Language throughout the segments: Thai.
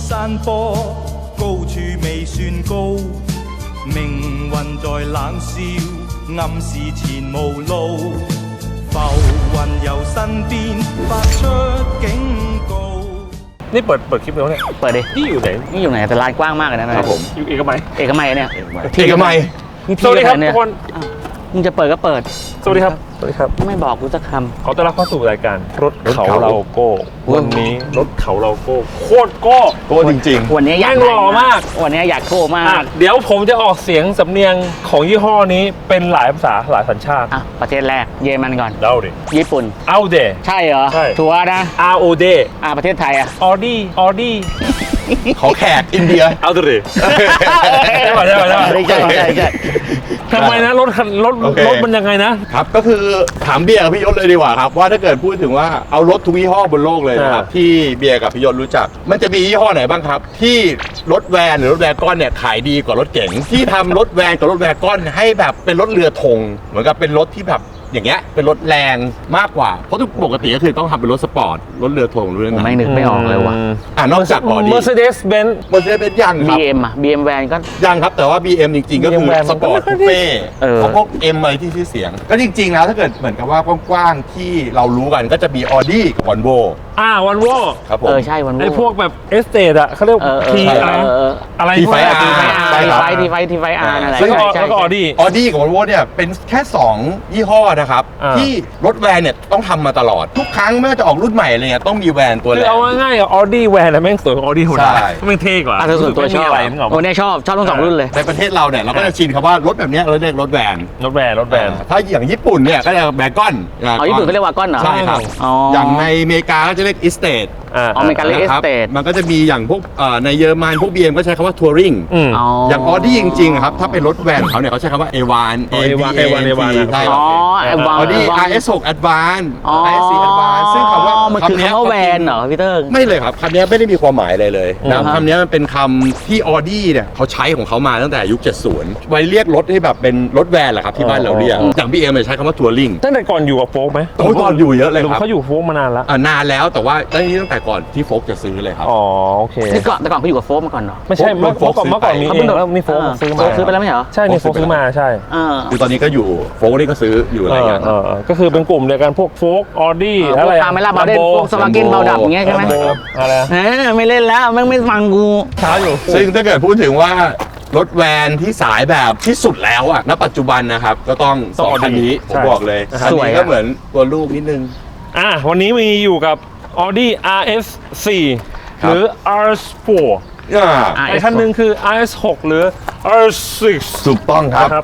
山坡，高處未算高，命運在冷笑，暗示前無路，浮雲由身邊發出警告。 นี่เปิดคลิปแล้วเนี่ยเปิดดินี่อยู่ไหนนี่อยู่ไหนแต่ร้านกว้างมากเลยนะครับผมอยู่เอกมัยเอกมัยเนี่ยเอกมัยสวัสดีครับทุกคนมึงจะเปิดก็เปิดสวัสดีครับสวัสดีครับไม่บอกกูสักคขอต้อนรับเข้าสู่รายการรถเขาเราโก้วันนี้รถเขาเราโก้โคตรโก้โก้จริงำวันนี้อยากแม่งหล่อมากวันนี้อยากโก้มากเดี๋ยวผมจะออกเสียงสำเนียงของยี่ห้อนี้เป็นหลายภาษาหลายสัญชาติอ่ะประเทศแรกเยอรมันก่อนเล่าดิญี่ปุ่นเอาเดใช่เหรอใช่ชัวร์นะ R O D ประเทศไทยอ่ะออดี้ๆเขาแขกอินเดียเอาดิ ใช่ป่ะใช่ใช่ทำไมนะรถมันยังไงนะครับก็คือถามเบียร์กับพี่ยศเลยดีกว่าครับว่าถ้าเกิดพูดถึงว่าเอารถทุกยี่ห้อบนโลกเลยนะครับที่เบียร์กับพี่ยศรู้จัก มันจะมียี่ห้อไหนบ้างครับที่รถแวนหรือรถแวร์ก้อนเนี่ยขายดีกว่ารถเก๋งที่ทำรถแวนกับรถแวร์ก้อนให้แบบเป็นรถเรือธงเหมือนกับเป็นรถที่แบบอย่างเงี้ยเป็นรถแรงมากกว่าเพราะทุกปกติก็คือต้องทำเป็นรถสปอร์ตรถเรือธงรู้ไหมผมไม่นึกไม่ออกเลยว่ะนอกจากบอดี้ Mercedes-Benz มันจะเป็นยังครับ BM อ่ะ BM แวนก็ยังครับแต่ว่า BM จริงๆ ก็คือ BM สปอร์ตคูเป้เพวก M อะไรที่ชื่อเสียง ก็จริงๆแล้วถ้าเกิดเหมือนกับว่ากว้างๆที่เรารู้กันก็จะมี Audi กับ Volvo วันโวครับผมใช่วันไอ้พวกแบบเอสเตทอะเขาเรียก T อะไร T ไฟ R ใช่ครับทีไฟอาร์นั่นแหละแล้วก็ออดี้ Audi กับ Volvo เนี่ยเป็นแค่ 2 ยี่ห้อนะครับ ที่รถแวนเนี่ยต้องทำมาตลอด ทุกครั้งไม่ว่าจะออกรุ่นใหม่อะไรเงี้ยต้องมีแวนตัวคืแรอก เอาง่ายๆออดี้แวนแม่งสวยกว่าออดี้ธรรมดาใช่แม่งเท่กว่าส่วนตัวชอบอะไรนึกออกโอ้เนี่ยชอบทั้งสองรุ่นเลยในประเทศเราเนี่ยเราก็จะชินคำว่ารถแบบเนี้ยเราเรียกรถแวนรถแวนถ้าอย่างญี่ปุ่นเนี่ยก็จะแบกอนญี่ปุ่นเขาเรียกว่ากอนเหรอใช่ครับ อย่างในอเมริกาก็จะเรียกอิสเตทอเมริกันเรียก Estate มันก็จะมีอย่างพวกในเยอรมันพวก BM ก็ใช้คำว่าทัวริงอย่างออดี้จริงๆครับถ้าเป็นรถแวนของเขาเนี่ยเขาใช้คำว่า A1 ใช่ครับออดี้ RS6 Advance RS4 Advance ซึ่งคำว่ามันคือคำว่าแวนเหรอพี่เติ้งไม่เลยครับคำนี้ไม่ได้มีความหมายอะไรเลยนะคำนี้มันเป็นคำที่ออดี้เนี่ยเขาใช้ของเขามาตั้งแต่ยุค 70 ไว้เรียกรถให้แบบเป็นรถแวนแหละครับที่บ้านเราเรียกอย่าง BM ใช้คำว่าทัวริงตั้งแต่ก่อนอยู่กับโฟกไหมตอนอยู่เยอะเลยครับเขาอยู่โฟกมานานแล้วนานแล้วแต่ว่าตั้งแต่ก่อนที่โฟกจะซื้อเลยครับอ๋อโอเคแต่ก่อนเขาอยู่กับโฟมมาก่อนเนาะไม่ใช่เมื่อก่อนมีเองแล้วนี่โฟกซื้อมาซื้อไปแล้วไม่เหรอใช่นี่โฟกซื้อมาใช่คือตอนนี้ก็อยู่โฟกนี่ก็ซื้ออยู่อะไรอย่างเงี้ยก็คือเป็นกลุ่มเดียวกันพวกโฟกออดี้อะไรคาเมล่าบาเดนพวกสวากินเบาดับอย่างเงี้ยใช่ไหมอะไรไม่เล่นแล้วแม่งไม่ฟังกูช้าอยู่ซึ่งถ้าเกิดพูดถึงว่ารถแวนที่สายแบบที่สุดแล้วอะณปัจจุบันนะครับก็ต้องสองคันนี้ผมบอกเลยคันนี้ก็เหมือนตัวลูกนิดนึงวันนี้มีอยู่กับ Audi RS4 หรือ RS4 ไอ้คันหนึ่งคือ RS6 หรือ RS6 ถูกต้องครับ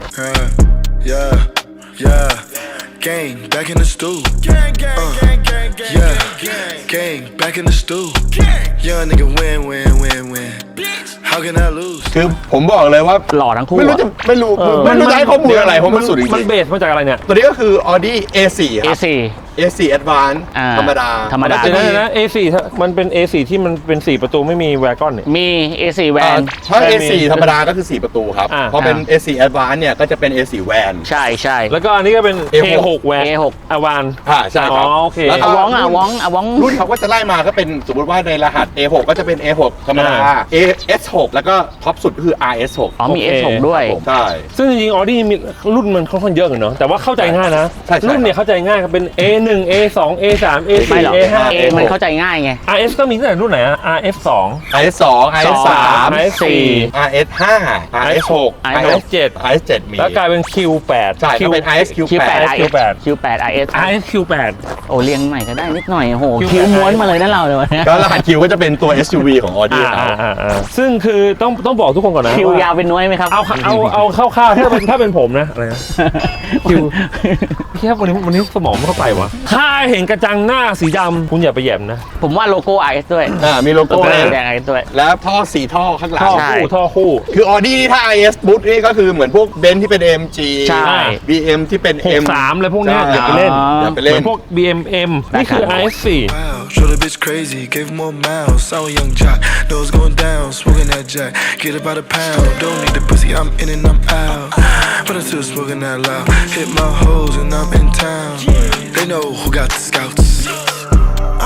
Gang back in the stool. Yeah, gang back in the stool. Young nigga win. How can I lose? คือผมบอกเลยว่าหล่อทั้งคู่ไม่รู้จะไม่รู้จะให้ข้อมูลอะไรเพราะมันสุดจริงมันเบสมาจากอะไรเนี่ยตัวนี้ก็คือ Audi A4 ครับ A4 Advance ธรรมดาเดี๋ยวนะ A4 มันเป็น A4 ที่มันเป็น4ประตูไม่มีแวร์กอนเนี่ยมี A4 แวนถ้า A4 ธรรมดาก็คือ4ประตูครับพอเป็น A4 Advance เนี่ยก็จะเป็น A4 Van ใช่แล้วก็อันนี้ก็เป็น A6 แวร์ A6 อวานใช่ครับโอเคแล้วก็วองรุ่นเขาก็จะไล่มาก็เป็นสมมติว่าในรหัส A6 ก็จะเป็น A6 ธรรมดา AS6 แล้วก็ท็อปสุดก็คือ RS6 มี S6 ด้วยใช่ซึ่งจริงๆ Audi มีรุ่นมันค่อนข้างเยอะกันเนาะแต่ว่าเข้าใจง่ายนะ รุ่นเนี่ยเข้าใจง่ายก็เป็น A1 A2 A3 A4 ไม่หรอก A5 A มันเข้าใจง่ายไง RS ก็มีตั้งแต่รุ่นไหนอะ RS2 RS2 RS3 RS4 RS5 RS6 RS7 RS7 มีแล้วกลายเป็น Q8 ใช่ก็เป็น RSQ8 Q8 RS RSQ8 โอ้เรียงใหม่ก็ได้นิดหน่อยโอ้โหคิวม้วนมาเลยนะเราเลยวันนี้ก็รหัส Q ก็จะเป็นตัว SUV ของ Audi เขาซึ่งคือต้องบอกทุกคนก่อนนะคิวยาวเป็นน้อยไหมครับเอาคร่าวๆถ้าเป็นผมนะอะไรนะคิวพี่ครับวันนี้สมองไม่เข้าไปวะถ้าเห็นกระจังหน้าสีดำคุณอย่าไปแย่มนะผมว่าโลโก้ RS ด้วยมีโลโก้แดง RS ด้วยแล้วท่อ4ท่อข้างหลังท่อคู่คือ Audi นี่ถ้า IS บุ๊ทนี่ก็คือเหมือนพวกเบนซ์ที่เป็น AMG ใช่ BM ที่เป็น M 63เลยพวกนี้อย่าไปเล่นอย่าไปเล่เหมือน นพวก BMM นี่คือ RS4 Wow, show the bitch crazy, gave him more mouths. I'm a young jock, nose going down, smoking that jack. Get about a pound, don't need the pussy, I'm in and I'm out. But I'm still smoking that loud. Hit my hoes and I'm in town. They know who got the scouts. I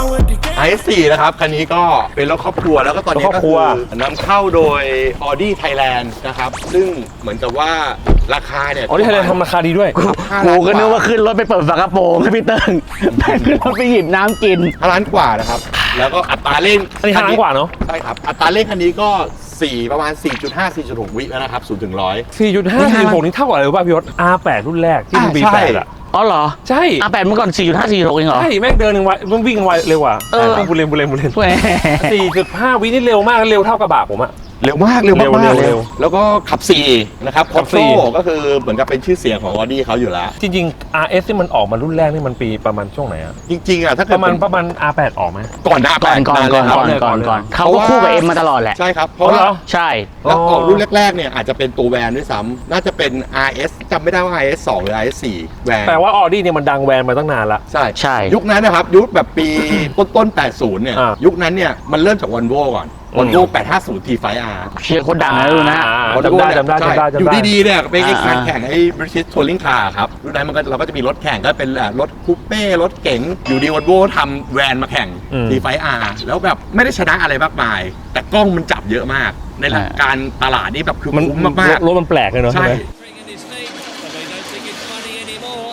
IS4 นะครับ คันนี้ก็เป็นรถครอบครัวแล้วก็ตอนนี้รถครก็อบครัคืวอนำเข้าโดย Audi Thailand นะครับ ซึ่งเหมือนกับว่าราคาเนี่ยอ๋อที่ไทยแลนด์ทำราคาดีด้วยกูก็นึกว่าขึ้นรถไปเปิดฝากระโปรงให้พี่เติ้งแต่ขึ้นรถไปหยิบน้ำกิน 5 ล้านกว่านะครับ แล้วก็อัตราเร่งอันนี้5ล้านกว่าเนอะใช่ครับ อัตราเร่งคันนี้ก็ประมาณ 4.5 4.6 วิแล้วนะครับ0ถึง100 4.5 4.6นี่เท่ากับอะไรรู้ป่ะพี่ยศ R8 รุ่นแรกที่มันใช่ B8 อ่ะอ๋อเหรอใช่ R8 เมื่อก่อน 4.5 4.6เองเหรอใช่แม่งเดินหนึ่งไวมันวิ่งไวเร็วกว่าเออบุเรนแหม 4.5 วินี่เร็วมากเร็วเท่ากระบะผมอะเร็วมากเร็วมากเร็วแล้วก็ขับ 4 นะครับขับโซ่ 4 ก็คือเหมือนกับเป็นชื่อเสียงของ Audi เขาอยู่แล้วจริงๆ RS ที่มันออกมารุ่นแรกนี่มันปีประมาณช่วงไหนอะจริงๆอ่ะถ้าเกิปดระมาณ R8 ออกไหมก่อนหน้าก่อนก่อนนานก่เลอย นครับก่อนก่อนก่อนเขาก็คู่กับเอ็มมาตลอดแหละใช่ครับ เพราะอ๋อเหรว่าอใช่แล้วออกรุ่นแรกๆเนี่ยอาจจะเป็นตัวแวนด้วยซ้ำน่าจะเป็น RS จำไม่ได้ว่า RS 2 หรือ RS 4แวนแปลว่า Audi เนี่ยมันดังแวนมาตั้งนานละใช่ใช่ยุคนั้นนะครับ ยุคแบบปี ต้น 80 เนี่ยอ่ายุคนั้นเนี่ยมันเริ่มจาก Volvo ก่อน Volvo 850 T5R เชียร์คนดังนะดูนะจำได้ใช่จำได้อยู่ดีๆเนี่ยเป็นไอ้การอ่าแข่งไอ้ British Touring Car ครับรุ่นนั้นเราก็จะมีรถแข่งก็เป็นรถคูเป้รถเก๋งอยู่ดี Volvo ทำแวนมาแข่ง T5R แล้วแบบไม่ได้ชนะอะไรมากมาย แต่กล้องมันจับเยอะมาก ในหลักการตลาดนี่แบบคือมันคุ้มมากรถมันแปลกเลยเนาะๆ ใช่ใช่ไหม Bringing his feet, but they don't think it's funny anymore.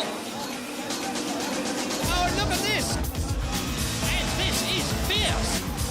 Oh, look at this! And this is fierce.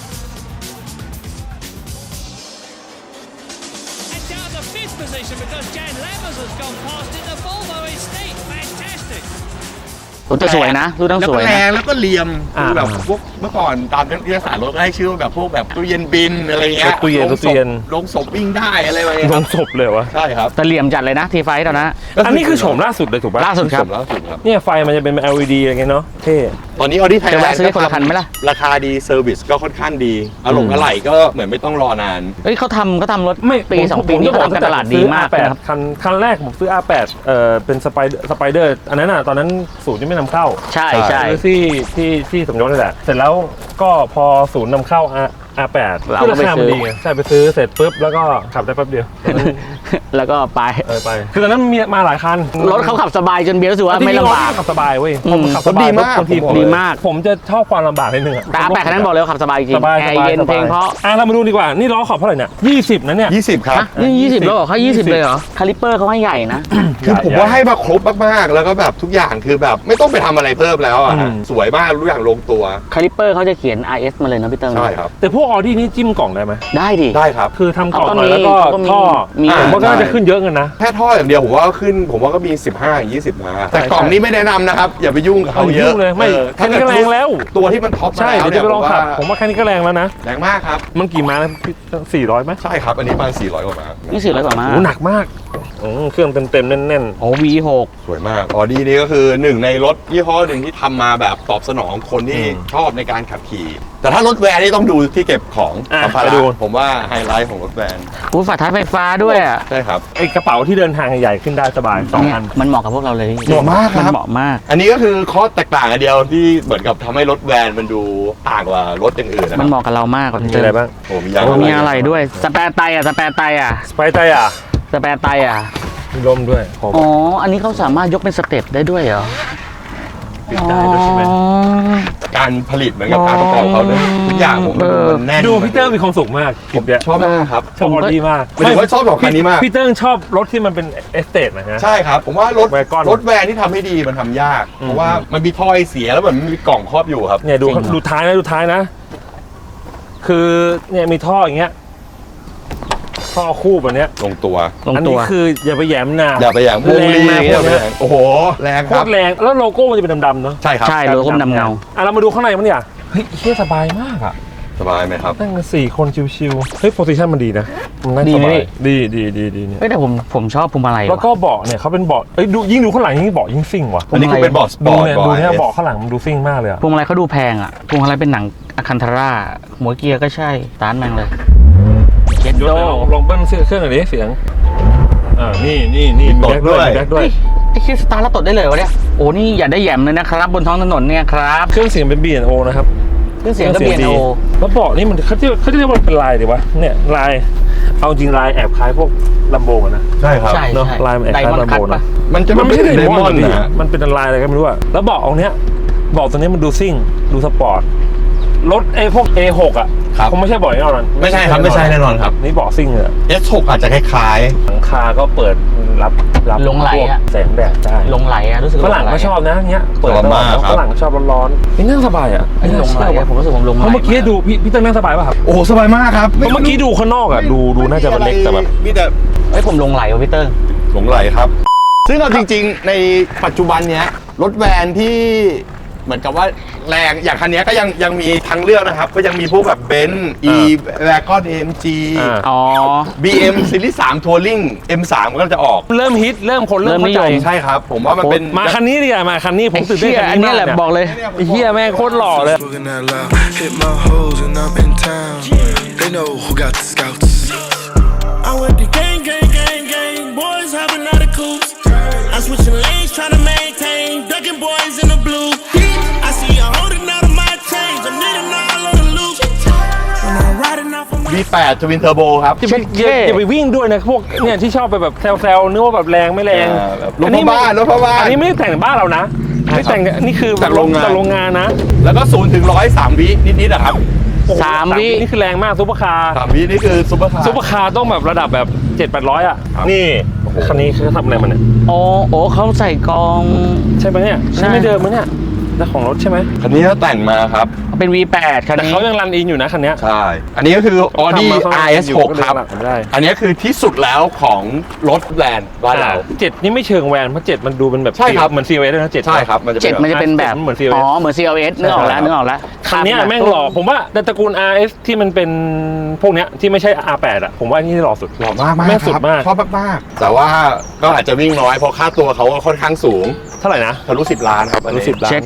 And down the fifth position because Jan Lammers has gone past in the Volvo Estate. Fantastic. รถจะสวยนะดูต้องแล้วสก็วยแรนะงแล้วก็เหลี่ยมอ่าคือแบบพวกเมื่อก่อนตามนิตยสารรถก็ให้ชื่อว่าแบบพวกแบบตู้เย็นบินอะไรเงี้ยตู้เย็นลงศพวิ่งได้อะไรแบบนี้ลครังบศพเลยวะใช่ครับแต่เหลี่ยมจัดเลยนะทีไฟตอนนั้นอันนี้คือโฉมล่าสุดเลยถูกปะล่าสุดครับล่าสุดครับเนี่ยไฟมันจะเป็น LED อะไรเงี้ยเนาะเท่ตอนนี้ Audi จะ Thailand แวะซื้อคนละคันไหมล่ะราคาดีเซอร์วิสก็ค่อนข้างดีอะไหล่ก็เหมือนไม่ต้องรอนานเฮ้ยเขาทำรถไม่ปี 2 ปีนี้เขาทำการตลาดดีมากซื้อนะครับ R8 คันแรกผมซื้อ R8 เป็นสไปเดอร์อันนั้นอ่ะตอนนั้นศูนย์ยังไม่นำเข้าใช่ใช่ซื้อที่สมยศนี่แหละเสร็จแล้วก็พอศูนย์นำเข้า R8 เราคือก็ราไปคาซื้มันอดีไงใช่ไปซื้อเสร็จปุ๊บแล้วก็ขับได้แป๊บเดียวตอนนั้นแล้วก็ไปไปคือตอนนั้นมีมาหลายคันรถเขาขับสบายจนเบียร์รู้สึกว่าไม่ลำบากขับสบายเว้ยอืมผมขับสบายดีมากบางทีผมบอกเลยดีมากผมจะชอบความลำบากนิดนึงอะแต่อาแปะคันนั้นบอกเลยว่าขับสบายจริงสบายแอร์เย็นเพลงเพราะเรามาดูดีกว่านี่ล้อขอบเท่าไหร่เนี่ย20นะเนี่ย 20 ครับฮะนี่20แล้วเหรอเขา20เลยเหรอคาลิปเปอร์เขาให้ใหญ่นะคือผมว่าให้มาครบมากๆ แล้วก็แบบทุกอย่างคือแบบไม่ต้องไปทำอะไรเพิ่มแล้วอ่ะอืมสวยมากทุกอย่างลงตัวคาลิปเปอร์เขาจะเขียน RS มาเลยนะพี่เติ้งใช่ครับแต่พวกออดี้นี่จิ้มกล่องได้ไหมได้ดิได้ครับคือทำกล่องเขาก็หน่อยแล้วก็เขาก็มีท่อมีผมว่าก็น่าใช่จะขึ้นเยอะเงินนะแค่ท่ออย่างเดียวผมว่าก็ขึ้น ผมว่าก็มี 15-20 มาแต่ใช่กล่องนี้ไม่แนะนำนะครับ อย่าไปยุ่งกับเขาเยยุ่อะงเลยไม่ถ้าแค่นี้ก็แรงแล้วตัวที่มันท็อปมาใช่แล้วเดี๋ยวเนี่จะยไปลองขับผมว่าแค่นี้ก็แรงแล้วนะแรงมากครับมันกี่ม้านะ400ไหมใช่ครับ อันนี้ประมาณ400 กว่าม้านี่400 กว่ามาโอ้หนักมากเครื่องเต็มๆแน่นโอ้ V6 สวยมากออดี้นี่ก็คือหนึ่งในรถยี่ห้อหนึ่งที่ทำมาแบบตอบสนองคนที่ชอบในการขับขี่ แต่ถ้ารถแวนนี่ต้องดูที่เก็บของสัมภาระผมว่าไฮไลท์ของรถแวนอู้ฝาท้ายไฟฟ้าด้วยอ่ะใช่ครับๆไอกระเป๋าที่เดินทางใหญ่ขึ้นได้สบาย2 เนี่ยอันมันเหมาะกับพวกเราเลยเหมาะมากครับมันเหมาะมากอันนี้ก็คือข้อแตกต่างอันเดียวที่เหมือนกับทำให้รถแวนมันดูต่างกว่ารถอย่างอื่นนะคมัรันบเหมาะกับเรามากกว่ามีพี่อะไรบ้างโอ้มีโอ้มีอะไรด้วยสแปร์ไตอ่ะสไปไตอ่ะสแปร์ไตอ่ะมีลมด้วยขอบอ๋ออันนี้เขาสามารถยกเป็นสเต็ปได้ด้วยเหรอปิดได้ด้วยใช่ไหมอ๋อการผลิตเหมือนกับการประกอบเขาเนี่ยทุกอย่างผมมันแน่นดูพี่เติ้งมีความสุขมากคลิปเนี้ยชอบมากครับชอบออดี้มากหมายถึงว่าชอบสองคันนี้มากพี่เติ้งชอบรถที่มันเป็นเอสเตทนะฮะใช่ครับ ผมว่ารถแวร์กอนรถแวนที่ทำให้ดีมันทำยาก เพราะว่ามันมีท่อไอเสียแล้วเหมือนมันมีกล่องครอบอยู่ครับเนี่ยดูจริงเหรอดูท้ายนะ คือเนี่ยมีท่ออย่างเงี้ยท่อคู่แบบเนี้ยลงตัวลงอันตันี้วคืออย่าไปแหยมนะอย่าไปอย่างพวกแรงลีมากอย่าพวกไปเนี้ยอย่างโอ้โห แรงโคครับตรแรงแล้วโลโก้มันจะเป็นดำๆเนาะใช่ครับใช่โลโก้ดำเงาเรามาดูข้างในมันเนี่ยเฮ้ยเฮียสบายมากอ่ะสบายไหมครับนั่งกัน4 คนชิวๆเฮ้ยโพซิชันมันดีนะมันนั่งดีสไหมบายพี่ดีเนี่ยเฮ้ยแต่ผมชอบพวงมาลัยแล้วว่ะก็เบาะเนี่ยเขาเป็นเบาะเอ้ยดูยิ่งดูข้างหลังยิ่งเบาะยิ่งซิ่งว่ะอันนี้คือเป็นบอร์ดสปดูอร์ตเนี่ยบอดูร์ดเนี่ยเบาะข้างหลังมันดูซิ่งมากเลยอะพวงมาลัยเขาดูแพงอ่ะพวงมาลัยเป็นหนังอะคันทาร่าหัวเกียร์ก็ใช่ตานแมงเลยเจ็ดยศโดไหนลองเบิ้ลเครื่องหน่อยดิเสียงนี่มีแบ็คด้วยมีแบ็คด้วยไอ้คิดสตาร์ทแล้วตดได้เลยวะเนี่ยโอ้นี่อย่าได้แหยมเลยนะครับบนท้องถนนเนี่ยครับเครื่องเสียงเป็น B&O นะครับเครื่องเสียงก็เปลี่ยนโอแล้วเบาะนี่มันเขาเรียกว่าเป็นลายดีวะเนี่ยลายเอาจริงลายแอบคล้ายพวกลัมโบนะใช่ครับใช่เนอะใช่ลายมันแอบไดคล้ายมอนลัมด์คัโบตนะปะมันไม่ใช่ไดมอนด์พี่นะมันเป็นลายอะไรก็ไม่รู้อะแล้วเบาะเอาเนี้ยเบาะตัวนี้มันดูซิ่งดูสปอร์ตรถพวก A6 อ่ะครับคงไม่ใช่เบาะแน่นอนไม่ใช่ครับไม่ใช่แน่นอนครับนี่เบาะซิ่งเลย S6 อาจจะคล้ายหลังคาก็เปิดรับลงไหลอะแสงแดดได้ลงไหลอะรู้สึกฝรั่งก็ชอบนะเนี้ยเปิดตลอดฝรั่งชอบร้อนๆนี่นั่งสบายอ่ะไอ้ลงไหลอะผมรู้สึกผมลงไหลเพราะเมื่อกี้ดูพี่เต้นนั่งสบายป่ะครับๆ โอ้โหสบายมากครับเพราะเมื่อกี้ดูข้างนอกอ่ะดูน่าจะมันเล็กแต่แบบมีแต่ไอ้ยผมลงไหลว่ะพี่เติ้งหลงไหลครับ ซึ่งเอาจริงๆ ในปัจจุบันเนี้ยรถแวนที่เหมือนกับว่าแรงอย่างคันนี้ก็ยังมีทางเลือกนะครับ ก็ยังมีพวกแบบเบนซ์ E Wagon AMG อ๋อ BM Series 3 Touring M3 ก็จะออกเริ่มฮิตเริ่มคนเริ่มเริ่มนิยเข้าม ใจใช่ครับ ผมว่ามันเป็นมาคันนี้ดีกว่ามาคันนี้ผมตื่นเต้นไอ้คันเหี้ยอันนี้นี้มากแหละเนี่ยบอกเลยไอ้เฮียแม่งโคตรหล่อเลย Smoking that loud. Hit my hoes and I'm in town. They know who got the scouts. I went to gang, gang, gang, gang. Boys hopping out of coops. I'm switching lanes, trying to maintain. Ducking boys in the blue. I see you holding out of my chains. I'm needing all of the loot. When I'm riding off of my V8 Twin Turbo ครับอย่าไปวิ่งด้วยนะพวกเนี่ยที่ชอบไปแบบแซวๆนึกว่าแบบแรงไม่แรงแบบรถพ่อบ้านรถพ่อบ้านอันนี้ไม่ได้แต่งบ้านเรานะไม่แต่งนี่คือจากโรงงานจากโรงงานนะแล้วก็0 ถึง 100 3 วินิดๆนะครับโอ้โห 3 วินี่คือแรงมากซุปเปอร์คาร์ 3 วินี่คือซุปเปอร์คาร์ซุปเปอร์คาร์ต้องแบบระดับแบบ7-800อ่ะครับนี่คันนี้คือทำอะไรมันเนี่ยอ๋อโอ้เขาใส่กองใช่ไหมเนี่ยใช่ไม่เดิมมั้ยเนี่ยแต่ของรถใช่ไหมคันนี้ก็แต่งมาครับเป็น V8 คันแต่นี้เขายังรันอินอยู่นะคันเนี้ยใช่ อันนี้ก็คือ Audi ทำมาข้างหลัง RS6 ครับอยู่ก็เลยหลังไม่ได้อันนี้คือที่สุดแล้วของรถแบรนด์บ้านเราเจ็ดนี่ไม่เชิงแวนเพราะ7มันดูเป็นแบบใช่ครับเหมือน CLS ด้วยนะ7 ใช่ครับ มันจะเจ็ดมันจะเป็นแบบเหมือน CLS อ๋อ เหมือน CLS นึกออกแล้วนึกออกแล้วคันเนี้ยแม่งหล่อผมว่าในตระกูล RS ที่มันเป็นพวกเนี้ยที่ไม่ใช่ R8 อ่ะผมว่านี่หล่อสุดหล่อมากแม่งสุดมากชอบมากๆแต่ว่าก็อาจจะวิ่งน้อยเพราะค่าตัวเขาก็ค่อนข้างสูงเท่าไหร่นะทะลุ10 ล้านครับอันรู้นี้ 10 ล้าเช็นค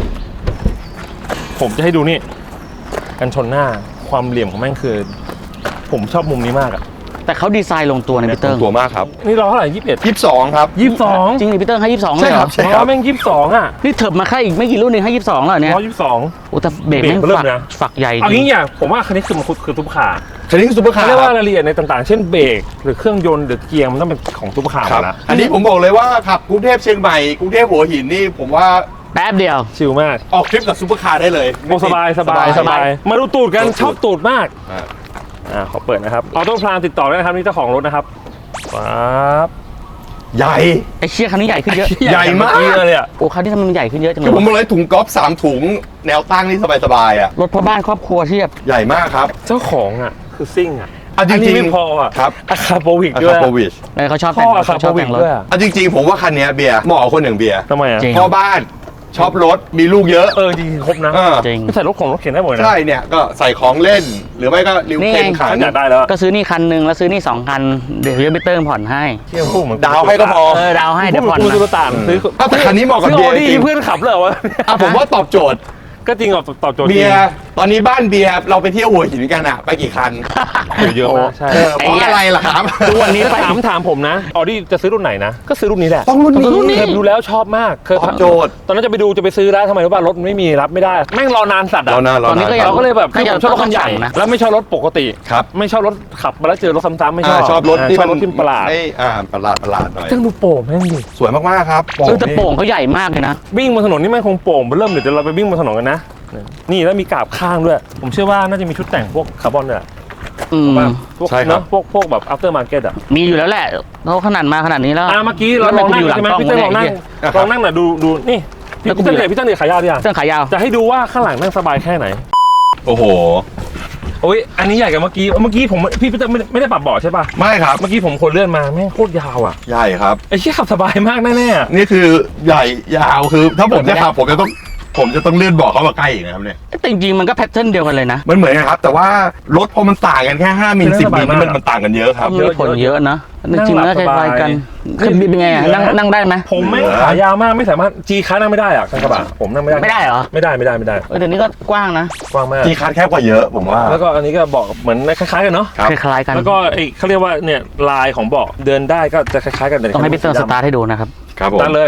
ผมจะให้ดูนี่กันชนหน้าความเหลี่ยมของแม่งคือ ผมชอบมุมนี้มากอ่ะแต่เขาดีไซน์ลงตัวนะพี่เติ้งตัวมากครับนี่เราเท่าไหร่21 22 ครับ 22 จริงดิพี่เติ้งให้ 22 ใช่เลยเหครรัอบใช่อ๋ครัอบ แม่ง22อ่ะนี่เถิบมาแค่อีกไม่กี่รุ่นเองให้ 22 แล้วเหรอเนี่ย 122 โอ้แต่เบรกแม่งเบรกเริ่มฝักนะฝักใหญ่จเอาริงี้งอย่างผมว่าคันนี้คือมันคือซุปเปอร์คาร์คันนี้คือซุปเปอร์คาเขาร์เรียกว่าครับรายละเอียดในต่างๆ เช่นเบรกหรือเครื่องยนต์หรือเกียร์มันต้องเป็นของซุปเปอร์คาร์หคมรับดละอันนี้ผมบอกเลยว่าขับกรุงเทพเชียงใหม่กรุงเทพหัวหินนี่ผมว่าแป๊บเดียวชิลมากออกทริปกับซุปเปอร์คาร์ได้เลยโอ้สบายมาดูตูดกันชอบตูดมาก ขอเปิดนะครับออโต้พลานติดต่อได้นะครับนี่เจ้าของรถนะครับปั๊บใหญ่ไอ้เชี่ยคันนี้ใหญ่ขึ้นเยอะใหญ่มากเลยอ่ะโอ้คันนี้ทำไมมันใหญ่ขึ้นเยอะจังเลคืยอผมวะบอกเลยถุงก๊อล์ฟ3 ถุงแนวตั้งนี่สบายๆอ่ะรถพ่อบ้านครอบครัวเทียบใหญ่มากครับเจ้าของอ่ะคือซิ่งอ่ะเอาจริงๆนนี้ไม่พออ่ะครับอะคาโปวิกอาด้วยคาโปวิชเขาชอบพ่แต่อง อะคาเขาโปชอบวิแต่กงรถด้วยอะเอาจริงๆ ผมว่าคันนี้เบียร์เหมาะกับคนอย่างเบียร์ทำไมอ่ะจริงพ่อบ้านชอบรถมีลูกเยอะจริงๆครบนะเออจริงไม่ใส่รถของรถเข็นได้หมดนะใช่เนี่ยก็ใส่ของเล่น หรือไม่ก็ริวนี่เข็นไงขันอยากได้แล้วอะก็ซื้อนี่คันหนึ่งแล้วซื้อนี่2 คัน เดี๋ยวพี่เติ้งผ่อนให้เที่ยวพูดเหมือนดาวให้ก็พอดาวให้เดี๋ยวผ่อนพูดมาตุลต่านซื้อถ้าแต่คันนี้เหมาะกับซื้อเบีอยร์ดี้จริงเพื่อนขับเลยเหรอวะผมว่าตอบโจทย์ก็จริงกับตอบโจทย์เบียร์ตอนนี้บ้านเบียร์เราไปเที่ยวหัวหินกันอะไปกี่คันเยอะมากใช่เพราะอะไรล่ะครับทุกวันนี้ถามผมนะออดี้จะซื้อรุ่นไหนนะ ก็ซื้อรุ่นนี้แหละต้องรุ่นนี้เคยดูแล้วชอบมากเคยตอบโจทย์ตอนนั้นจะไปซื้อแล้วทำไมรู้ป่ะรถมันไม่มีรับไม่ได้แม่งรอนานสัตว์อะรอนานตอนนี้ก็ยังเราก็เลยแบบคือน่าผจะมชอบรถคันใหญ่ต้องสั่งนะแล้วไม่ชอบรถปกติครับไม่ชอบรถขับมาแล้วเจอรถซ้ำๆไม่ชอบชอบรถที่ชอบรถที่ประหลาดไม่ประหลาดหน่อยจังดูโป่งแม่งดิสวยมากๆครับแต่โป่งเขาใหญ่มากเลยนะวิ่งบนถนนนี่แม่งคงโป่งเริ่มเดี๋ยวเราไปวิ่งบนถนนกันนะนี่แล้วมีกาบข้างด้วย ผมเชื่อว่าน่าจะมีชุดแต่งพวกคาร์บอนด้วยแหละอืมว่าพวกใช่ครับเนอะพวกแบบ after market อ่ะมีอยู่แล้วแหละเขาขนาดมาขนาดนี้แล้วเมื่อกี้เราลองนั่งใช่ไหมพี่เต้ลองนั่งลองนั่งหน่อยดูนี่พี่เต้พี่เต้ขายาวดิอ่ะเสื้อขายาวจะให้ดูว่าข้างหลังนั่งสบายแค่ไหนโอ้โหโอ้ยอันนี้ใหญ่กว่าเมื่อกี้ผมพี่เต้ไม่ได้ปรับเบาะใช่ป่ะไม่ครับเมื่อกี้ผมคนเลื่อนมาแม่งโคตรยาวอ่ะใหญ่ครับไอ้เชี่ยขับสบายมากแน่ๆนี่คือใหญ่ยาวคือถ้าผมจะขับผมจะต้องเลื่อนเบาะเข้ามาใกล้อีกนะครับเนี่ยแต่จริงๆมันก็แพทเทิร์นเดียวกันเลยนะมันเหมือนกันครับ แต่ว่ารถพอมันต่างกันแค่5 มิล 10 มิลนี่มันต่างกันเยอะครับก็มีผลเยอะนะจริงๆมันก็คล้ายๆกันคือเป็นไงอะนั่งได้ไหมผมไม่ขายาวมากไม่สามารถจีค้านั่งไม่ได้อะกระบะผมนั่งไม่ได้ไม่ได้เหรอไม่ได้เดี๋ยวนี้ก็กว้างนะกว้างมากจีคันแคบกว่าเยอะผมว่าแล้วก็อันนี้ก็เบาะเหมือนคล้ายๆกันเนาะครับคล้ายๆกันแล้วก็ไอ้เขาเรียกว่าเนี่ยลายของเบาะเดินได้ก็จะคล้ายๆกันแต่ต้องให้พี่เตอร์สตาร์ทให้ดูนะครับครับผมตั้งเลย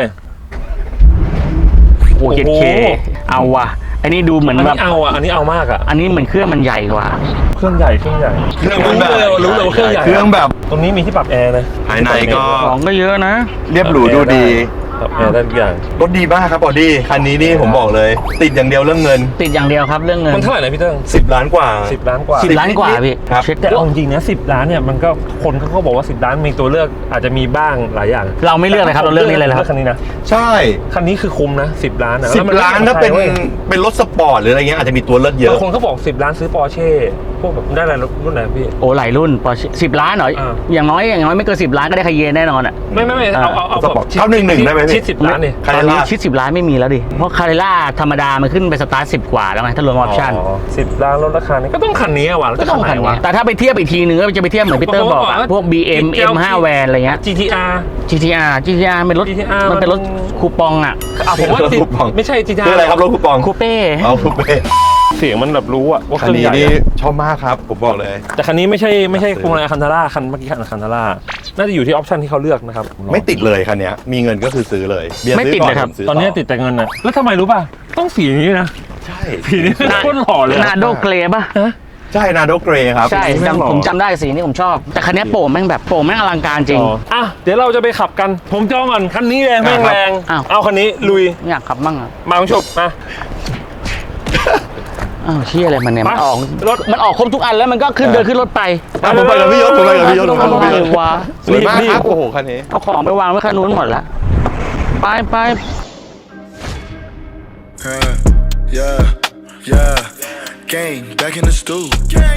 โอ้เจ็ดเคเอาว่ะอันนี้ดูเหมือนอันแบนี้บเอาอ่ะอันนี้เอามากอ่ะอันนี้เหมือนเครื่องมันใหญ่กว่าเครื่องใหญ่เครื่องมันแบบรู้เลยว่าเครื่องใหญ่เครื่องแบบตรงนี้มีที่ปรับแอร์นะภายในก็ของก็เยอะนะเรียบหรูดูดีปรับแอร์ได้ทุกอย่างรถดีมากครับออดี้คันนี้นี่ผมบอกเลย ติดอย่างเดียวเรื่องเงินติดอย่างเดียวครับเรื่องเงินมันเท่าไหร่นะพี่เติ้ง 10 ล้านกว่า 10 ล้านกว่า 10 ล้านกว่าพี่ครับเช็คแต่เอาจริงนะ10 ล้านเนี่ยมันก็คนเขาก็บอกว่า10 ล้านมีตัวเลือกอาจจะมีบ้างหลายอย่างเราไม่เลือกเลยครับเราเลือกนี้เลยครับคันนี้นะใช่คันนี้คือคุ้มนะ10 ล้านนะ 10 ล้านถ้าเป็นรถสปอร์ตหรืออะไรเงี้ยอาจจะมีตัวเลือกเยบาอะงคนเขาบอก10 ล้านซื้อปอร์เช่พวกแบบได้อะไรรุ่นไหนพี่โอ้หลายรุ่นพอ10 ล้านเหรออ่าอย่างน้อยไม่เกิน10 ล้านก็ได้คาเยนแน่นอนอ่ะไม่เอาสปอร์ต911ได้ไหมพี่ชิด10 ล้านนี่คาตเรอนนี้ล่าชิด10 ล้านไม่มีแล้วดิเพราะคาเรล่าธรรมดามันขึ้นไปสตาร์ท10 กว่าแล้วไงถ้ารวมออปชั่น 10 ล้านลดราคานี่ก็ต้องคันนี้ว่ะแล้วก็จะต้องคันไหคันนนี้วะแต่ถ้าไปเทียบอีกทีนึงก็จะไปเทียบเหมือนพีเตอร์บอกอะพวก BM M5 แวนอะไรเงี้ย GTR GTR เป็นรถ GTR มันเป็นรถคูปองอ่ะผมว่ารถคูปองไม่ใช่ GTR คืออะไรครับรถคูปองคูเป้เอาคูเป้เสียงมันแบบรู้อะว่าคัเคน รื่องนี้ใหญ่นี่อะชอบมากครับผมบอกเลยแต่คันนี้ไม่ใช่พวงมาลัยคันธาร่าคันเมื่อกี้คันคันธาร่าน่าจะอยู่ที่ออปชันที่เขาเลือกนะครับไม่ติดเลยคันเนี้ยมีเงินก็คือซื้อเลยเบียร์ไม่ซื้อติดก่อนนะครับผมซื้ตอนนี้ติดแต่เงินนะแล้วทำไมรู้ป่ะต้องสีนี้นะใช่สีนี้โคตรหล่อเลยนาโดเกรป่ะใช่นาโดเกรครับใช่แงหล่อผมจำได้สีนี้ผมชอบ แต่คันนี้โป่งแม่งแบบโป่งแม่งอลังการจริงอ่ะเดี๋ยวเราจะไปขับกันผมจองก่อนคันนี้แรงแม่งแรงอ้าวเอาคันนี้ลุยอยากขับบ้างอ่ะมาคุณผู้ชมมาอ้าวเชี่ยอะไรมันเนี่ยไปมันออกรถมันออกครบทุกอันแล้วมันก็ขึ้นเดินขึ้นรถไปอ่ะผมไปกับพี่ยศผมไปกับพี่ยศผมไปกับพี่ยศว้าสวยมากครับโอ้โหคันนี้เอาของไปวางไว้ข้างนู้นหมดละไป Yeah. Gang, back in the stool. Gang,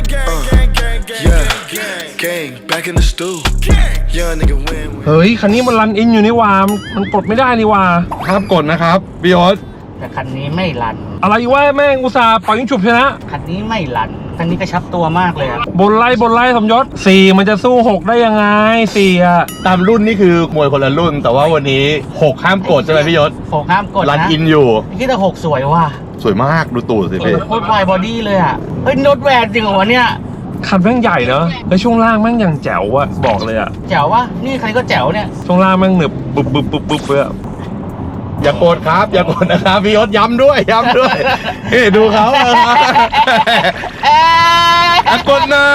yeah. Gang, back in the stool. Young nigga win. เฮ้ยคันนี้มันรันอินอยู่นี่ว่ามันกดไม่ได้นี่ว่าห้ามกดนะครับพี่ยศแต่คันนี้ไม่รันอะไรวะแม่งอุตส่าห์ปล่อยยิงฉุบชนะคันนี้ไม่รันคันนี้กระชับตัวมากเลยอะบนไล่สมยศ4มันจะสู้6ได้ยังไง4อ่ะตามรุ่นนี่คือมวยคนละรุ่น แต่ว่าวันนี้6ห้ามกดใช่ไหมพี่ยศโฟห้ามกดรันนะอินอยู่พี่แต่6สวยว่ะสวยมากดูตูดสิพี่โคตรวายบอดี้เลยอะเฮ้ยรถแวนจริงเหรอวะเนี่ยคันแม่งใหญ่เนอะแล้วช่วงล่างแม่งยังแจ๋วอะบอกเลยอะแจ๋ววะนี่คันนี้ก็แจ๋วเนี่ยช่วงล่างแม่งหนึบบึบเลยอะอย่ากดครับ อย่ากดนะครับพี่ยศย้ำด้วยเฮ้ยดูเขาอย่ากดนะ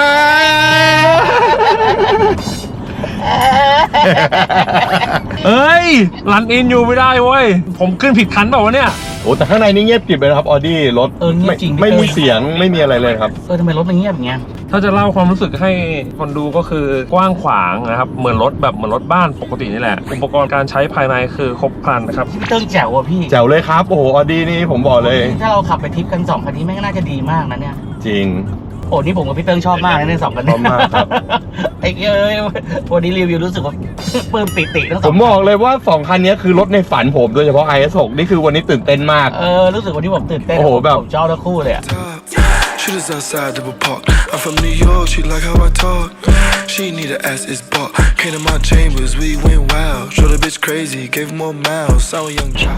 เอ้ยรันอินอยู่ไม่ได้เว้ยผมขึ้นผิดคันเปล่าวะเนี่ยโอ้แต่ข้างในนี่เงียบกริบเลยนะครับออดี้รถเงียบจริงไม่มีเสียงไม่มีอะไรเลยครับทำไมรถมันเงียบอย่างเงี้ยถ้าจะเล่าความรู้สึกให้คนดูก็คือกว้างขวางนะครับเหมือนรถบ้านปกตินี่แหละอุปกรณ์การใช้ภายในคือครบครันนะครับพี่เติ้งแจ๋วว่ะพี่แจ๋วเลยครับ โอ้โหออดี้นี่ผมบอกเลยถ้าเราขับไปทริปกัน2คันนี้แม่งน่าจะดีมากนะเนี่ยจริงโอ้นี่ผมกับพี่เติ้งชอบมากนะใน2คันนี้ชอบมากครับไอ้เอ้ยวันนี้รีวิวรู้สึกว่าปลื้มปิติทั้งสผองมบอกเลยว่า 2 คันนี้คือรถในฝันผมโดยเฉพาะ IS6 นี่คือวันนี้ตื่นเต้นมากรู้สึกวันนี้ผมตื่นเต้นโอ้โหแบบผมชอบทั้งคู่เลยอะ Top. Shooters outside double park. I'm from New York, she like how I talk. She need a ass is bought. Came to my chambers, we went wild. Show the bitch crazy, gave her more mouths. Sour young child.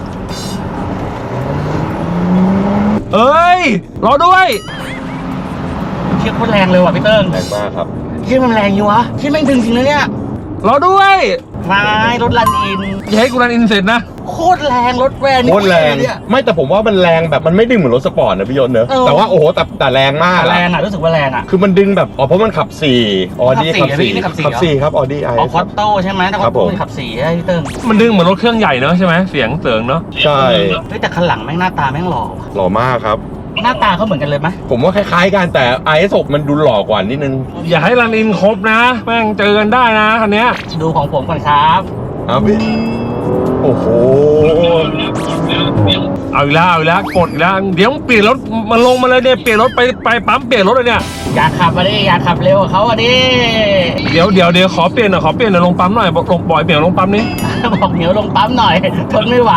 เอ้ยรอด้วยเชี่ยโคตรแรงเลยว่ะพี่เติ้งแรงมากครับเชี่ยมันแรงอยู่วะเชี่ยแม่งถึงจริงนะเนี่ยรอด้วยไม่รถรันอินอย่าให้กูรันอินเสร็จนะโคตรแรงรถแวนโคตรแรงเนี่ยไม่แต่ผมว่ามันแรงแบบมันไม่ดึงเหมือนรถสปอร์ตนะพี่ยศเนอะเออแต่ว่าโอ้โหแต่แรงมากแรอะงอ่ะรู้สึกว่าแรงอ่ะคือมันดึงแบบเพราะมันขับ4ออดี้ขัขับบ สี่ 4 นี่ขับสี่ขับเหรอ 4ครับออดี้ไออ๋อคอตโต้ใช่ไหมแต่ครัว่าบผมมันขับ4ใช่ไหมพี่เติ้งมันดึงเหมือนรถเครื่องใหญ่เนอะใช่ไหมเสียงเสริงเนอะใช่เฮ้ยแต่คันหลังแม่งหน้าตาแม่งหล่อว่ะหล่อมากครับหน้าตาเขาเหมือนกันเลยไหมผมว่าคล้ายๆกันแต่ IS6 มันดูหล่อกว่านิดนึงอย่าให้รันอินครบนะแม่งเจอกันได้นะคันเนี้ยดูของผมก่อนครับเอาพี่โอ้โหเอาอีกแล้วกดอีกแล้วเดี๋ยวเปลี่ยนรถมันลงมาเลยเนี่ยเปลี่ยนรถไปปั๊มเปลี่ยนรถเลยเนี่ยอยากขับมาดิอยากขับเร็วกว่าเขาอ่ะดิเดี๋ยวขอเปลี่ยนหน่อยลงปั๊มหน่อยบอกลงบ่อยเปลี่ยนลงปั๊มนี้บอกเดี๋ยวลงปั๊มหน่อยทนไม่ไหว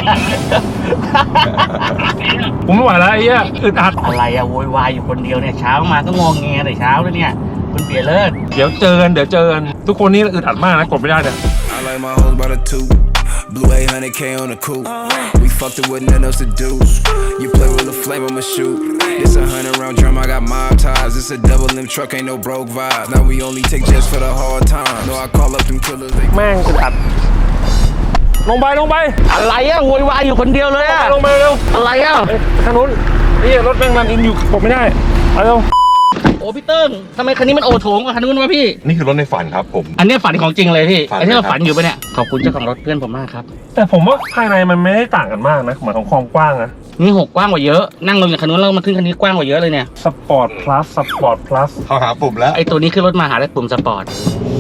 ผมไม่ไหวแล้วไอ้เหี้ยอึดอัดอะไรอะโวยวายอยู่คนเดียวเนี่ยเช้ามาก็งองแงแต่เช้าเลยเนี่ยคุณเปียเลิศเดี๋ยวเจอกันทุกคนนี่อึดอัดมากนะกดไม่ได้เนี่ย I like my hoes by the two. Blue 800K on the coupe. We fucked it with nothing else to do. You play with a flame, I'ma shoot. It's a 100-round drum, I got mob ties. It's a double limb truck, ain't no broke vibes. Now we only take jets for the hard times. No, I call up them killers. They แม่งอึดอัดลงไปอะไรอะโวยวายอยู่คนเดียวเลยอะลงไปเร็วอะไรอะทางนู้นนี่รถแม่งรันอินอยู่กดไม่ได้เอาเร็วโอ้พี่เติ้งทำไมคันนี้มันโอโถงกว่าคันนู้นวะพี่นี่คือรถในฝันครับผมอันนี้ฝันของจริงเลยพี่ฝันอันนี้เราเลยครับฝันอยู่ปะเนี่ย ขอบคุณเจ้าของรถเพื่อนผมมากครับแต่ผมว่าภายในมันไม่ได้ต่างกันมากนะเหมือนของความกว้างนะนี่6กว้างกว่าเยอะ นั่งลงจากคันนู้นแล้วมาขึ้นคันนี้กว้างกว่าเยอะเลยเนี่ยสปอร์ตพลัสสปอร์ตพลัสเขาหาปุ่มแล้วไอตัวนี้ขึ้นรถมาหาได้ปุ่มสปอร์ต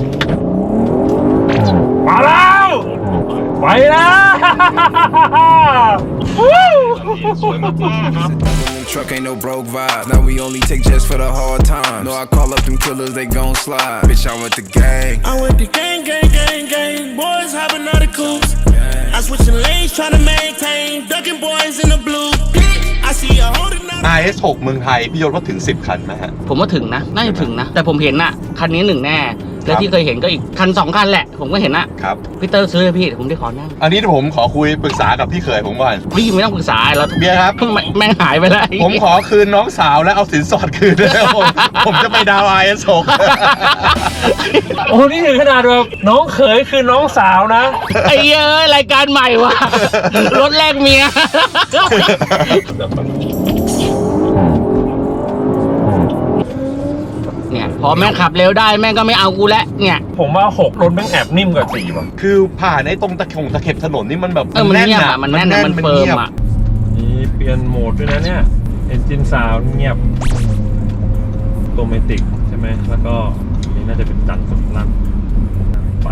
มาแล้วไปแล้ว Truck ain't no broke vibe. Now we only take jets for the hard times. No, I call up them killers, they gon' slide. Bitch, I went to gang. I went to gang, gang, gang, gang. Boys hopping out of coops. I switching lanes, trying to maintain. Ducking boys in the blue. I see you holding up. RS6 เมืองไทยพี่ยศว่าถึง 10 คันไหมฮะผมว่าถึงนะ น่าจะถึงนะ แต่ผมเห็นน่ะ คันนี้1แน่ แล้วที่เคยเห็นก็อีกคัน2คันแหละ ผมก็เห็นน่ะครับพี่เตอร์ซื้อเลยพี่เดี๋ยวผมได้ขอนั่งอันนี้ผมขอคุยปรึกษากับพี่เขยผมก่อนพี่ไม่ต้องปรึกษาเราเบียร์ครับแม่งหายไปแล้วผมขอคืนน้องสาวและเอาสินสอดคืนด้วยครับผมจะไปดาว RS6 โอ้นี่ถึงขนาดแบบน้องเขยคือน้องสาวนะไอ้เหี้ยเอ้ยรายการใหม่ว่ะ รถแรกเมีย เนี่ยพอแม่งขับเร็วได้แม่งก็ไม่เอากูแล้วเนี่ยผมว่า6รถแม่งแอบนิ่มกว่า4ว่ะคือผ่านในตรงตะเข็บถนนนี่มันแบบมันเงียบอ่ะมันแน่นอะมันเฟิร์มอ่ะมีเปลี่ยนโหมดด้วยนะเนี่ยเอนจินซาวเงียบโตเมติกใช่ไหมแล้วก็นี่น่าจะเป็นจันทร์สุดลั่นไป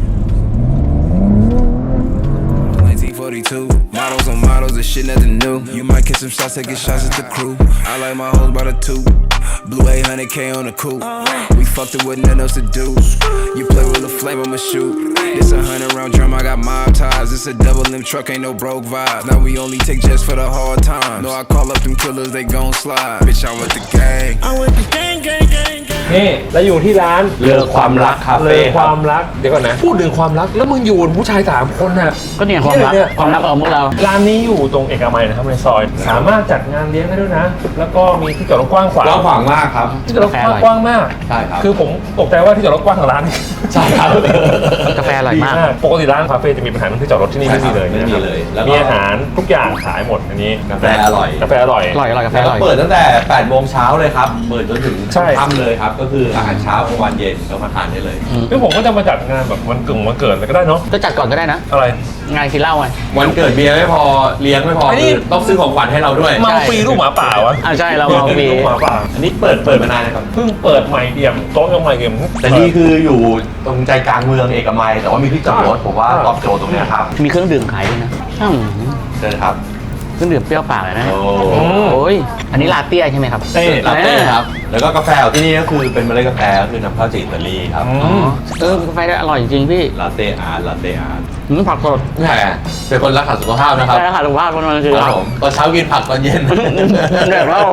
1942. Models on models, this shit nothing new. You might get some shots, taking shots at the crew. I like my hoes by the two. Blue 800K on the coupe. We fucked it with nothing else to do. You play with a flame, I'ma shoot. It's a 100-round drum, I got mob ties. It's a double limb truck, ain't no broke vibe. Now we only take jets for the hard times. No, I call up them killers, they gon' slide. Bitch, I went to gang. I went to gang, gang, gang, gang. นี่แล้วอยู่ที่ร้านเลอความรักคาเลเฟ่อความรักเดี๋ยวก่อนนะพูดถึงความรักแล้วมึงอยู่กับผู้ชาย3คนน่ะก็เนี่ยความรักเนี่ยความรักของพวกเราร้านนี้อยู่ตรงเอกมัยนะครับในซอย สามารถจัดงานเลี้ยงได้ด้วยนะ แล้วก็มีที่จอดรถกว้างขวางกว้างขวางมากครับที่จอดรถกว้างมากใช่ครับคือผมตกใจว่าที่จอดรถกว้างของร้านใช่ครับกาแฟอร่อยมากดีปกติร้านคาเฟ่จะมีปัญหาเรื่องที่จอดรถที่นี่ไม่มีเลยไม่มีเลยแล้วก็มีอาหารทุกอย่างขายหมดอันนี้กาแฟอร่อยกาแฟอร่อยอร่อยกาแฟแล้วอร่อยเปิดตั้งแต่8 โมงเช้าเลยครับ เปิดจนถึงใช่ค่ำเลยครับ ก็คืออาหารเช้ากลางวันเย็นก็มาทานได้เลยคือผมก็จะมาจัดงานแบบวันเกิดอะไรก็ได้เนาะก็จัดก่อนก็ได้นะอะไรงานกินเหล้าไงวันเกิดเบียร์ไม่พอเลี้ยงไม่พอไอ้นี่คือต้องซื้อของขวัญให้เราด้วยเมาฟรีลูกหมาป่าวะอ่าใช่เราเมาฟรีลูกหมาป่าอันนี้เปิดมานานนะครับเพิ่งเปิดใหม่เอี่ยมโต๊ะยังใหม่เอี่ยมแต่นี่คืออยู่ตรงใจกลางเมืองเอกมัยแต่ว่ามีที่จอดรถผมว่าตอบโจทย์ตรงเนี้ยครับมีเครื่องดื่มขายด้วยนะอืมเชิญครับเครื่องดื่มเปรี้ยวปากเลยนะโอ้โอ้ยอันนี้ลาเต้ใช่ไหมครับเต้ลาเต้ครับ แล้วก็กาแฟของที่นี่ก็คือเป็นเมล็ดกาแฟก็คือนำเข้าจากอิตาลีครับอ๋อกาแฟได้อร่อยจริงๆพี่ลาเต้อาร์ตลาเต้อาร์ตผักสดแหมเป็นคนรักษาสุขภาพนะครับใช่ค่ะสุขภาพมันคือครับผมตอนเช้ากินผักตอนเย็นเดี๋ยวเรา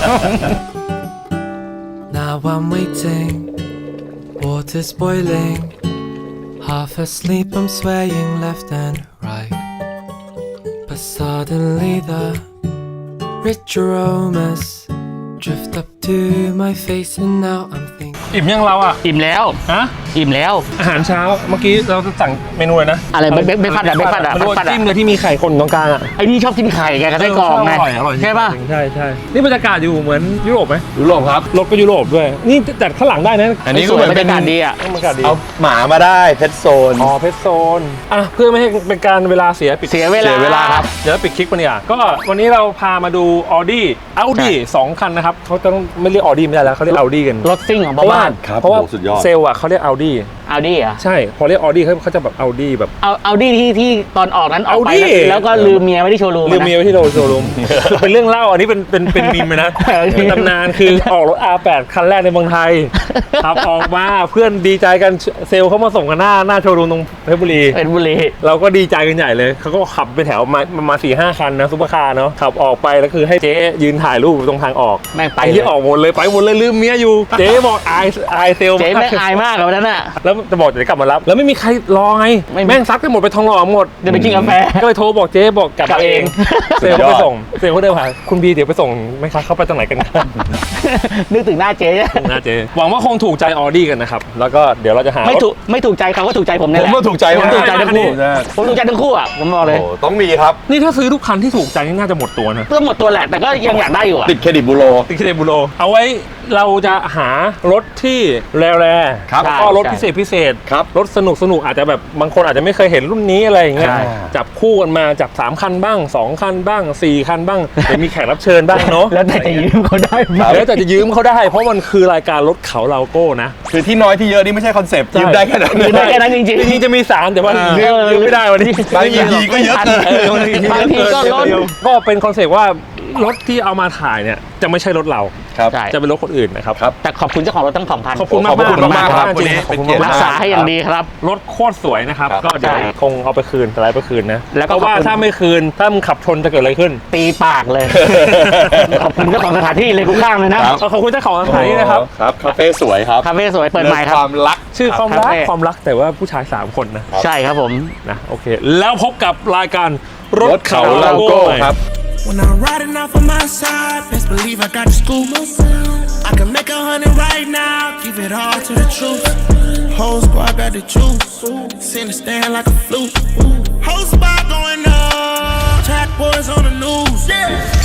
Now I'm waiting, water's boiling. Half asleep, I'm swaying left and right. But suddenly the rich aromas drift up to my face, and now I'm thinking. อิ่มยังเราอ่ะอิ่มแล้วฮะอิ่มแล้วอาหารเช้าเมื่อกี้เราจะสั่งเมนูเลยนะอะไรเบคฟาสต์อะเบคฟาสต์อะไม่รู้ว่าเบคฟาสต์อะจิ้มเลยที่มีไข่คนตรงกลางอ่ะไอ้นี่ชอบกินไข่ไงกับไส้กรอกไงอร่อยใช่ป่ะใช่ใช่นี่บรรยากาศอยู่เหมือนยุโรปไหมยุโรปครับรถก็ยุโรปด้วย นี่จัดข้างหลังได้นะอันนี้ก็เหมือนเป็นบรรยากาศดีอะบรรยากาศดีเอาหมามาได้เพชรโซนอ๋อเพชรโซนอ่ะเพื่อไม่ให้เป็นการเวลาเสียปิดเสียเวลาเสียเวลาครับเดี๋ยวปิดคลิปกันดีกว่าก็วันนี้เราพามาดู Audi 2 คันนะครับเขาจะต้องไม่เรียก Audi ไม่ได้แล้วเขาเรียก Audi กันรถซิ่งของเพบ้าราะว่าบ้านเพราะว่าโอ้สุดยอดเซลล์อ่ะเขาเรียก Audi เอาดี้อะใช่พอเรียก Audi เขาจะแบบ Audi แบบเอาดี้ที่ตอนออกนั้นออกไป Audi แล้วก็ลืมเมียไว้ที่โชว์รูมลืมเมียไว้ที่โชว์รูม เป็นเรื่องเล่าอันนี้เป็นมีมเลยนะ เป็นตำนานคือออกรถ R8 คันแรกในเมืองไทยขับออกมาเพื่อนดีใจกันเซลล์เขามาส่งกันหน้าโชว์รูมตรงเพชรบุรีเป็นบุรีเราก็ดีใจกันใหญ่เลยเขาก็ขับไปแถวมา 4-5 คันนะซุปเปอร์คาร์เนาะขับออกไปแล้วคือให้เจ๊ยืนถ่ายรูปตรงทางออกแม่งไปไอ้ที่ออกหมดเลยไปหมดเลยลืมเมียอยู่เจ๊บอกอายเซลล์เจ๊แม่งอายมากกับวันนั้นอ่ะแล้วจะบอกจะกลับมารับแล้วไม่มีใครรอไงไม่มีแม่งซัดกันหมดไปทองหล่อหมดเดี๋ยวไปกินกาแฟก็เลยโทรบอกเจ๊บอกกลับกลับมาเองเองเซลล์ก็ไปส่งเซลล์ก็เดินผ่านคุณบีเดี๋ยวไปส่งไหมคะเข้าไปตรงไหนกันนึกถึงหน้าเจ๊นะเจ๊หวังว่าคงถูกใจออดี้กันนะครับแล้วก็เดี๋ยวเราจะหาไม่ถูกใจเขาก็ถูกใจผมเนี่ยผมก็ถูกใจผมถูกใจทั้งคู่ใช่ผมถูกใจทั้งคู่อ่ะผมบอกเลยโอ้ต้องมีครับนี่ถ้าซื้อทุกคันที่ถูกใจนี่น่าจะหมดตัวนะเพื่อหมดตัวแหละแต่ก็ยังอยากได้อยู่อ่ะติดเครดิตบูโรติเคเดบูโรเอาไว้เราจะหารถที่แร่ๆครับแล้วก็รถพิเศษครับรถสนุกอาจจะแบบบางคนอาจจะไม่เคยเห็นรุ่นนี้อะไรอย่างเงี้ยใช่จับคู่กันมาจับ3คันบ้าง2คันบ้าง4คันบ้างเดี๋ยวมีแขกรับเชิญบ้างเนาะแล้วแต่จะยืมเขาได้ไหมแล้วแต่จะยืมเขาได้ เพราะมันคือรายการรถเขาเราโก้นะคือที่น้อยที่เยอะนี่ไม่ใช่คอนเซปต์ยืมได้แค่นั้นยืมได้แค่นั้นจริงจริงๆจะมี3แต่ว่ายืมไม่ได้วันนี้บางทีก็เยอะเกินบางทีก็ล้นก็เป็นคอนเซปต์ว่ารถที่เอามาถ่ายเนี่ยจะไม่ใช่รถเราครับใช่จะเป็นรถคนอื่นนะครับแต่ขอบคุณเจ้าของรถทั้ง 2,000 ขอบคุณมากขอบคุณมากครับจริงวันนี้ขอบคุณเป็นเกียรติมากรักษาให้อย่างดีครับรถโคตรสวยนะครับครับก็เดี๋ยวใช่คงเอาไปคืนแต่ไรไปคืนนะแล้วก็เพราะว่าขอบคุณถ้าไม่คืนถ้ามึงขับชนจะเกิดอะไรขึ้นตีปากเลย ขอบคุณเจ้าของสถานที่เลยกูข้างเลยนะขอบคุณเจ้าของสถานที่นะครับครับคาเฟ่สวยครับคาเฟ่สวยเปิดใหม่คเรื่องรัคบวามรักชื่อความรักคาเฟ่ความรักแต่ว่าผู้ชาย3คนนะใช่ครับผมนะโอเค แล้วพบกับรายการรรถถเขาเขาเราเราโก้โก้ครับ When I'm riding off on my side, best believe I got the scoop. I can make 100 right now, give it all to the truth. Whole squad got the juice, send the stand like a flute. Whole spot going up, track boys on the news.